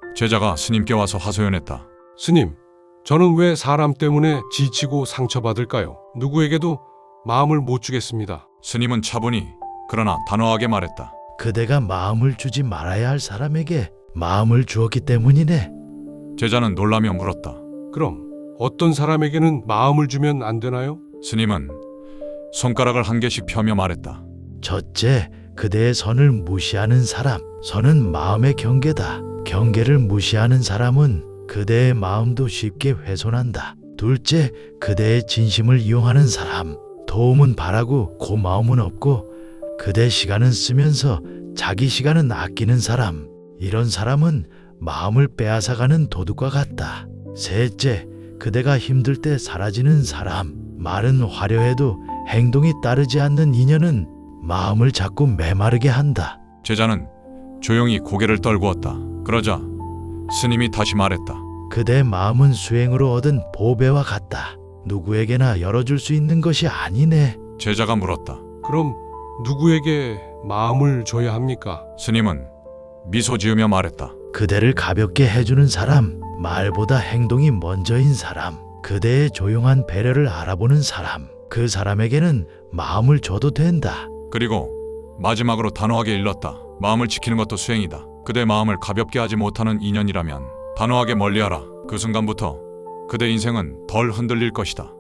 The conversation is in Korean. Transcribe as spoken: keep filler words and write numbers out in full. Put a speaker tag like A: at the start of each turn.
A: 제자가 스님께 와서 하소연했다.
B: 스님, 저는 왜 사람 때문에 지치고 상처받을까요? 누구에게도 마음을 못 주겠습니다.
A: 스님은 차분히 그러나 단호하게 말했다.
C: 그대가 마음을 주지 말아야 할 사람에게 마음을 주었기 때문이네.
A: 제자는 놀라며 물었다.
B: 그럼 어떤 사람에게는 마음을 주면 안 되나요?
A: 스님은 손가락을 한 개씩 펴며 말했다.
C: 첫째, 그대의 선을 무시하는 사람. 선은 마음의 경계다. 경계를 무시하는 사람은 그대의 마음도 쉽게 훼손한다. 둘째, 그대의 진심을 이용하는 사람. 도움은 바라고 고마움은 없고 그대 시간은 쓰면서 자기 시간은 아끼는 사람. 이런 사람은 마음을 빼앗아가는 도둑과 같다. 셋째, 그대가 힘들 때 사라지는 사람. 말은 화려해도 행동이 따르지 않는 인연은 마음을 자꾸 메마르게 한다.
A: 제자는 조용히 고개를 떨구었다. 그러자 스님이 다시 말했다.
C: 그대 마음은 수행으로 얻은 보배와 같다. 누구에게나 열어줄 수 있는 것이 아니네.
A: 제자가 물었다.
B: 그럼 누구에게 마음을 줘야 합니까?
A: 스님은 미소 지으며 말했다.
C: 그대를 가볍게 해주는 사람, 말보다 행동이 먼저인 사람, 그대의 조용한 배려를 알아보는 사람, 그 사람에게는 마음을 줘도 된다.
A: 그리고 마지막으로 단호하게 일렀다. 마음을 지키는 것도 수행이다. 그대 마음을 가볍게 하지 못하는 인연이라면 단호하게 멀리하라. 그 순간부터 그대 인생은 덜 흔들릴 것이다.